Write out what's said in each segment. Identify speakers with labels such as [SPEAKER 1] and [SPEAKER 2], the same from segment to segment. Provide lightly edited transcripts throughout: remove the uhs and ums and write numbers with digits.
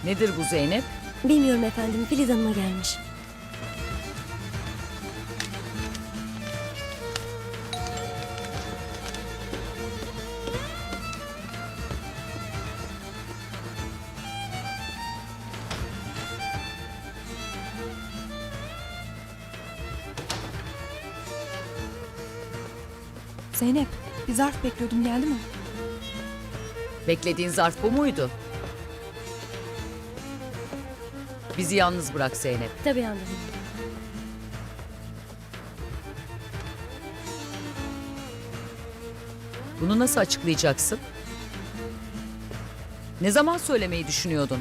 [SPEAKER 1] Nedir bu Zeynep?
[SPEAKER 2] Bilmiyorum efendim, Filiz Hanım'a gelmiş.
[SPEAKER 3] Zeynep, bir zarf bekliyordum, geldi mi?
[SPEAKER 1] Beklediğin zarf bu muydu? Bizi yalnız bırak Zeynep.
[SPEAKER 2] Tabii anladım.
[SPEAKER 1] Bunu nasıl açıklayacaksın? Ne zaman söylemeyi düşünüyordun?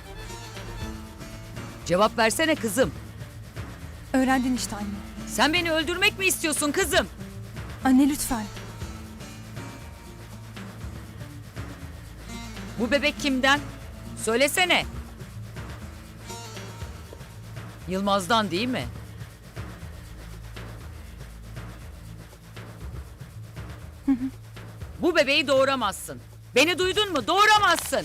[SPEAKER 1] Cevap versene kızım.
[SPEAKER 3] Öğrendin işte anne.
[SPEAKER 1] Sen beni öldürmek mi istiyorsun kızım?
[SPEAKER 3] Anne lütfen.
[SPEAKER 1] Bu bebek kimden? Söylesene. Yılmaz'dan değil mi? Bu bebeği doğuramazsın. Beni duydun mu? Doğuramazsın.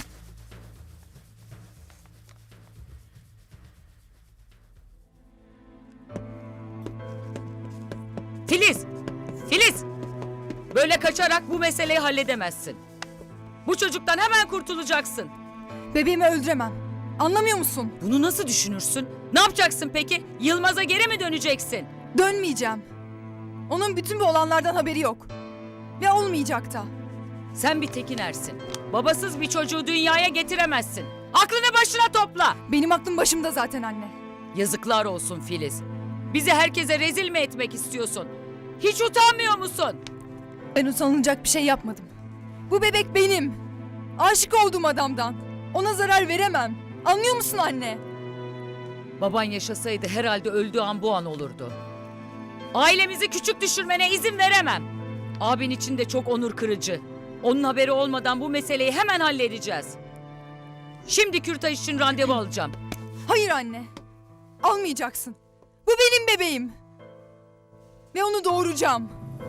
[SPEAKER 1] Filiz! Filiz! Böyle kaçarak bu meseleyi halledemezsin. Bu çocuktan hemen kurtulacaksın.
[SPEAKER 3] Bebeğimi öldüremem. Anlamıyor musun?
[SPEAKER 1] Bunu nasıl düşünürsün? Ne yapacaksın peki? Yılmaz'a geri mi döneceksin?
[SPEAKER 3] Dönmeyeceğim. Onun bütün bu olanlardan haberi yok. Ve olmayacak da.
[SPEAKER 1] Sen bir tekinersin. Babasız bir çocuğu dünyaya getiremezsin. Aklını başına topla.
[SPEAKER 3] Benim aklım başımda zaten anne.
[SPEAKER 1] Yazıklar olsun Filiz. Bizi herkese rezil mi etmek istiyorsun? Hiç utanmıyor musun?
[SPEAKER 3] Ben utanılacak bir şey yapmadım. Bu bebek benim. Aşık olduğum adamdan. Ona zarar veremem. Anlıyor musun anne?
[SPEAKER 1] Baban yaşasaydı herhalde öldüğü an bu an olurdu. Ailemizi küçük düşürmene izin veremem. Abin için de çok onur kırıcı. Onun haberi olmadan bu meseleyi hemen halledeceğiz. Şimdi kürtaj için randevu alacağım.
[SPEAKER 3] Hayır anne. Almayacaksın. Bu benim bebeğim. Ve onu doğuracağım.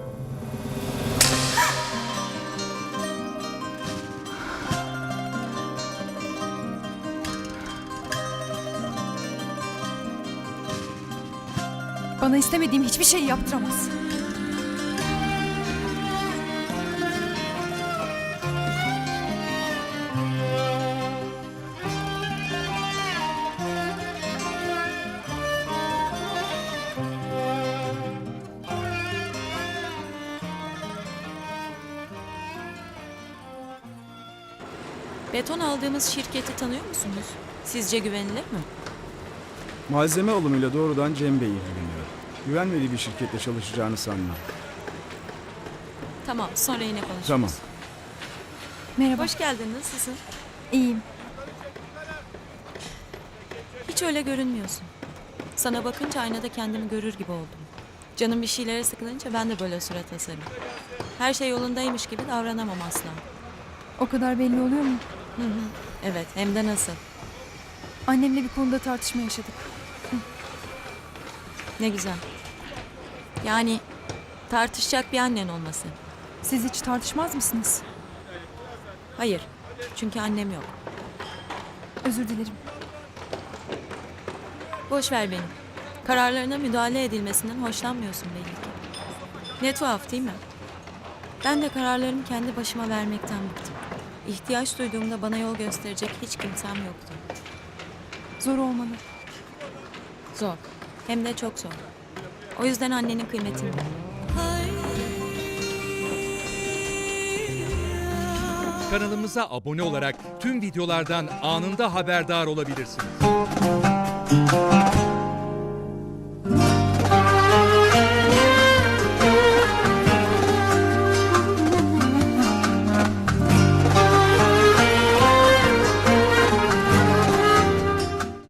[SPEAKER 3] Bana istemediğim hiçbir şeyi yaptıramaz.
[SPEAKER 4] Beton aldığımız şirketi tanıyor musunuz? Sizce güvenilir mi?
[SPEAKER 5] Malzeme alımıyla doğrudan Cem Bey ilgileniyor. Güvenmediği bir şirkette çalışacağını sanmam.
[SPEAKER 4] Tamam, sonra yine konuşuruz.
[SPEAKER 5] Tamam.
[SPEAKER 3] Merhaba.
[SPEAKER 4] Hoş geldin, nasılsın?
[SPEAKER 3] İyiyim.
[SPEAKER 4] Hiç öyle görünmüyorsun. Sana bakınca aynada kendimi görür gibi oldum. Canım bir şeylere sıkılınca ben de böyle surat asarım. Her şey yolundaymış gibi davranamam asla.
[SPEAKER 3] O kadar belli oluyor mu?
[SPEAKER 4] Hı hı. Evet, hem de nasıl.
[SPEAKER 3] Annemle bir konuda tartışma yaşadık.
[SPEAKER 4] Ne güzel. Yani tartışacak bir annen olması.
[SPEAKER 3] Siz hiç tartışmaz mısınız?
[SPEAKER 4] Hayır, çünkü annem yok.
[SPEAKER 3] Özür dilerim.
[SPEAKER 4] Boş ver beni. Kararlarına müdahale edilmesinden hoşlanmıyorsun belli ki. Ne tuhaf değil mi? Ben de kararlarımı kendi başıma vermekten bıktım. İhtiyaç duyduğumda bana yol gösterecek hiç kimsem yoktu.
[SPEAKER 3] Zor olmalı.
[SPEAKER 4] Zor. Hem de çok zor. O yüzden annenin kıymetini bil.
[SPEAKER 6] Kanalımıza abone olarak tüm videolardan anında haberdar olabilirsiniz.